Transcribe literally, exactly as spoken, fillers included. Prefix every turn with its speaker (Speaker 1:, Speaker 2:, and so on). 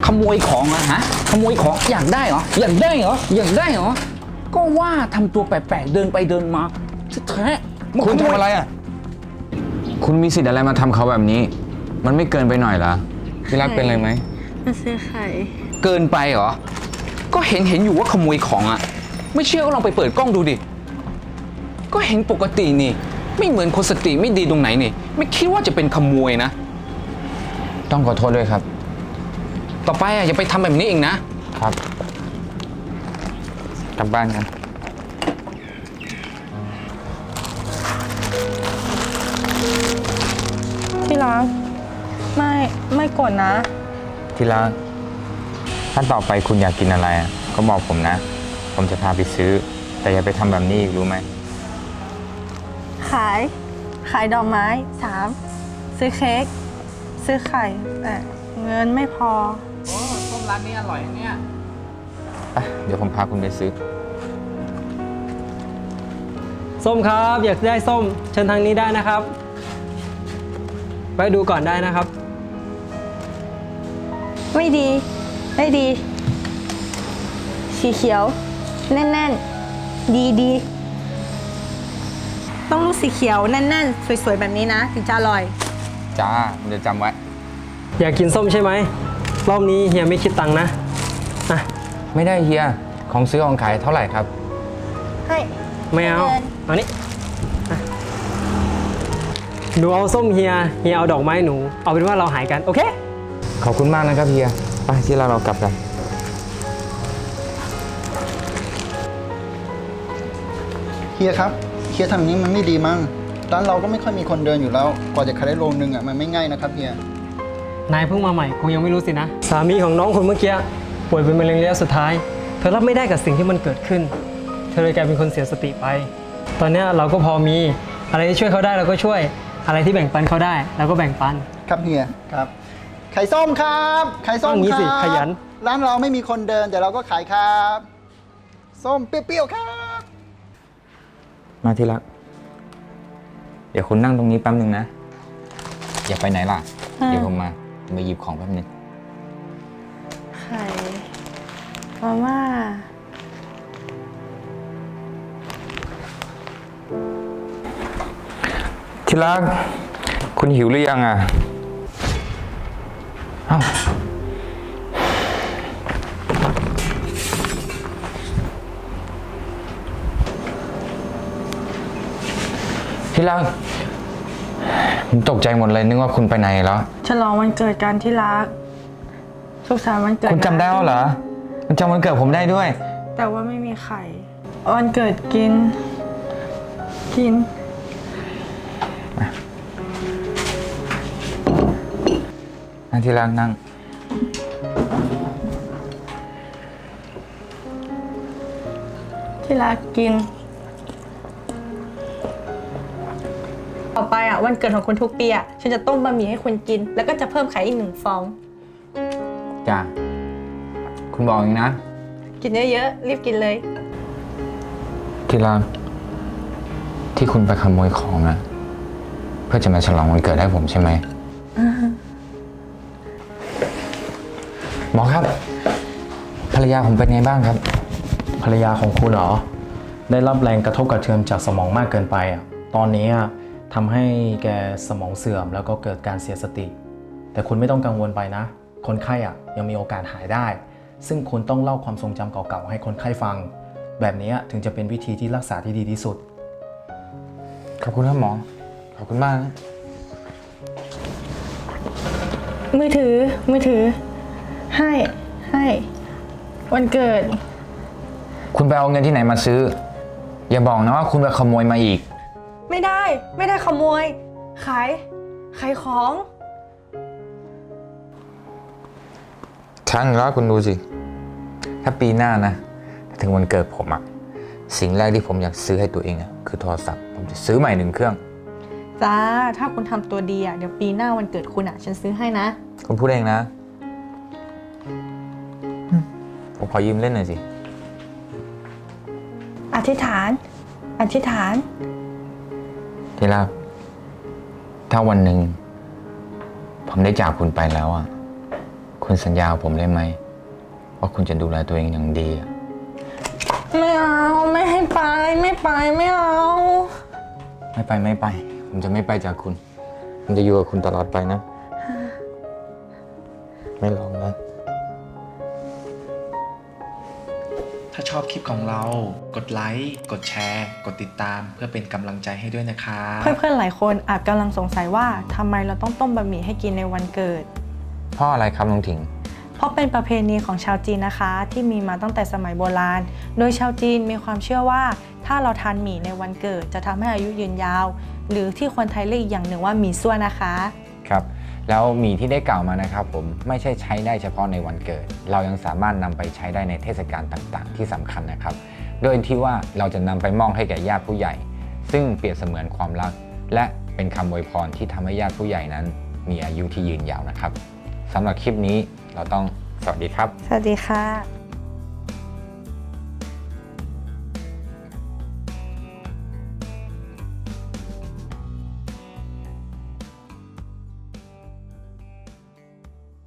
Speaker 1: ขโมยของอะฮะขโมยของอยากได้เหรออยากได้เหรออยากได้เหรอก็ว่าทำตัวแปลกๆเดินไปเดินมาแท้ๆ
Speaker 2: คุณทำอะไรอ่ะคุณมีสิทธิ์อะไรมาทำเขาแบบนี้มันไม่เกินไปหน่อยเหรอที่รักเป็นอะไรไหม
Speaker 3: มาซื้อไข่
Speaker 1: เกินไปเหรอก็เห็นเห็นอยู่ว่าขโมยของอะไม่เชื่อก็ลองไปเปิดกล้องดูดิก็เห็นปกตินี่ไม่เหมือนคนสติไม่ดีตรงไหนนี่ไม่คิดว่าจะเป็นขโมยนะ
Speaker 2: ต้องขอโทษด้วยครับ
Speaker 1: ต่อไปอะอย่าไปทำแบบนี้อีกนะครับ
Speaker 2: กลับบ้านกัน
Speaker 3: ที่รักไม่ไม่กดนะ
Speaker 2: ที่รักถ้าต่อไปคุณอยากกินอะไรก็บอกผมนะผมจะพาไปซื้อแต่อย่าไปทำแบบนี้อีกรู้ไหม
Speaker 3: ขายขายดอกไม้สามซื้อเค้กซื้อไข่แต่เงินไม่พอ
Speaker 1: โอ้ส้มร้านนี้อร่อยเนี่ย
Speaker 2: เดี๋ยวผมพาคุณไปซื้อ
Speaker 4: ส้มครับอยากได้ส้มเชิญทางนี้ได้นะครับไปดูก่อนได้นะครับ
Speaker 3: ไม่ดีไม่ดีสีเขียวแน่นๆดีดีต้องลูกสีเขียวแน่นๆสวยๆแบบนี้นะถึงจะอร่อย
Speaker 2: จ้าเดี๋ยวจำไว้
Speaker 4: อยากกินส้มใช่ไหมรอบนี้เฮียไม่คิดตังค์นะอ่ะ
Speaker 2: ไม่ได้เฮียของซื้อของขายเท่าไหร่ครับ
Speaker 3: ให้
Speaker 4: ไม่เอาเอานี้หนูเอาส้มเฮียเฮียเอาดอกไม้หนูเอาเป็นว่าเราหายกันโอเค
Speaker 2: ขอบคุณมากนะครับเฮียไปที่เราเรากลับกัน
Speaker 5: เฮียครับเฮียทำอย่างนี้มันไม่ดีมั้งร้านเราก็ไม่ค่อยมีคนเดินอยู่แล้วกว่าจะขายได้โลนึงอ่ะมันไม่ง่ายนะครับเฮีย
Speaker 4: นายเพิ่งมาใหม่คงยังไม่รู้สินะสามีของน้องคนเมื่อกี้ป่วยเป็นมะเร็งระยะสุดท้ายเธอรับไม่ได้กับสิ่งที่มันเกิดขึ้นเธอเลยกลายเป็นคนเสียสติไปตอนนี้เราก็พอมีอะไรที่ช่วยเขาได้เราก็ช่วยอะไรที่แบ่งปันเขาได้เราก็แบ่งปัน
Speaker 5: ครับเฮียครับไข่ส้มครับไข่ส้มครับ
Speaker 4: ขยัน
Speaker 5: ร้านเราไม่มีคนเดินแต่เราก็ขายครับส้มเปรี้ยวๆครับ
Speaker 2: มาที่รักเดี๋ยวคุณนั่งตรงนี้แป๊บนึงนะอย่าไปไหนล่ะเดี๋ยวผมมามาหยิบของแป๊บนึง
Speaker 3: ไข่มาม่า
Speaker 2: ที่รักคุณหิวหรือยังอ่ะเอ้าที่รักผมตกใจหมดเลยนึกว่าคุณไปไหนแล้ว
Speaker 3: ฉลองวันเกิดกันที่รักสุขสันต์วันเกิด
Speaker 2: คุณจำได้เหรอคุณจำวันเกิดผมได้ด้วย
Speaker 3: แต่ว่าไม่มีไข่วันเกิดกินกิน
Speaker 2: นั่งที่รักนั่ง
Speaker 3: ที่รักกินต่อไปอ่ะวันเกิดของคุณทุกปีอ่ะฉันจะต้มบะหมี่ให้คุณกินแล้วก็จะเพิ่มไข่อีกหนึ่งฟอง
Speaker 2: จ้าคุณบอกเองนะ
Speaker 3: กินเยอะๆรีบกินเลย
Speaker 2: ที่รักที่คุณไปขโมยของอ่ะเพื่อจะมาฉลองวันเกิดให้ผมใช่ไหมหมอครับภรรยาผมเป็นไงบ้างครับ
Speaker 6: ภรรยาของคุณเหรอได้รับแรงกระทบกระเทือนจากสมองมากเกินไปอ่ะตอนนี้ทำให้แกสมองเสื่อมแล้วก็เกิดการเสียสติแต่คุณไม่ต้องกังวลไปนะคนไข้อ่ะยังมีโอกาสหายได้ซึ่งคุณต้องเล่าความทรงจำเก่าๆให้คนไข้ฟังแบบนี้ถึงจะเป็นวิธีที่รักษาที่ดีที่สุด
Speaker 2: ขอบคุณครับหมอขอบคุณมากนะ
Speaker 3: มือถือมือถือให้ให้วันเกิด
Speaker 2: คุณไปเอาเงินที่ไหนมาซื้ออย่าบอกนะว่าคุณไปขโมยมาอีก
Speaker 3: ไม่ได้ไม่ได้ขโมยขายขายของ
Speaker 2: ช่างแล้วคุณดูสิถ้าปีหน้านะถึงวันเกิดผมอะสิ่งแรกที่ผมอยากซื้อให้ตัวเองอะคือโทรศัพท์ผมจะซื้อใหม่หนึ่งเครื่อง
Speaker 3: จ้าถ้าคุณทำตัวดีอะเดี๋ยวปีหน้าวันเกิดคุณอะฉันซื้อให้นะ
Speaker 2: คุณพูดเองนะผมขอยืมเล่นหน่อยสิ
Speaker 3: อธิษฐานอธิษฐาน
Speaker 2: ที่รักถ้าวันหนึ่งผมได้จากคุณไปแล้วอ่ะคุคุณสัญญากับผมได้ไหมว่าคุณจะดูแลตัวเองอย่างดีอะ
Speaker 3: ไม่เอา ไม่ให้ไป ไม่ไป ไม่เอา
Speaker 2: ไม่ไปไม่ไป ผมจะไม่ไปจากคุณ ผมจะอยู่กับคุณตลอดไปนะ ไม่ลองนะ
Speaker 7: ถ้าชอบคลิปของเรา กดไลค์ กดแชร์ กดติดตามเพื่อเป็นกำลังใจให้ด้วยนะครับ
Speaker 3: เพื่อนๆหลายคนอาจกำลังสงสัยว่าทำไมเราต้องต้มบะหมี่ให้กินในวันเกิด
Speaker 2: เพราะอะไรครับน้องถิง
Speaker 3: เพราะเป็นประเพณีของชาวจีนนะคะ ที่มีมาตั้งแต่สมัยโบราณ โดยชาวจีนมีความเชื่อว่า ถ้าเราทานหมี่ในวันเกิดจะทำให้อายุยืนยาว หรือที่คนไทยเรียกอีกอย่างหนึ่งว่าหมี่ซั่วนะคะ
Speaker 2: ครับ แล้วหมี่ที่ได้กล่าวมานะครับผมไม่ใช่ใช้ได้เฉพาะในวันเกิด เรายังสามารถนำไปใช้ได้ในเทศกาลต่างๆ ที่สำคัญนะครับ โดยที่ว่าเราจะนำไปมอบให้แก่ญาติผู้ใหญ่ ซึ่งเปรียบเสมือนความรัก และเป็นคำอวยพรที่ทำให้ญาติผู้ใหญ่นั้น มีอายุที่ยืนยาวนะครับสำหรับคลิปนี้เราต้องสวัสดีครับ
Speaker 3: สวัสดีค่ะ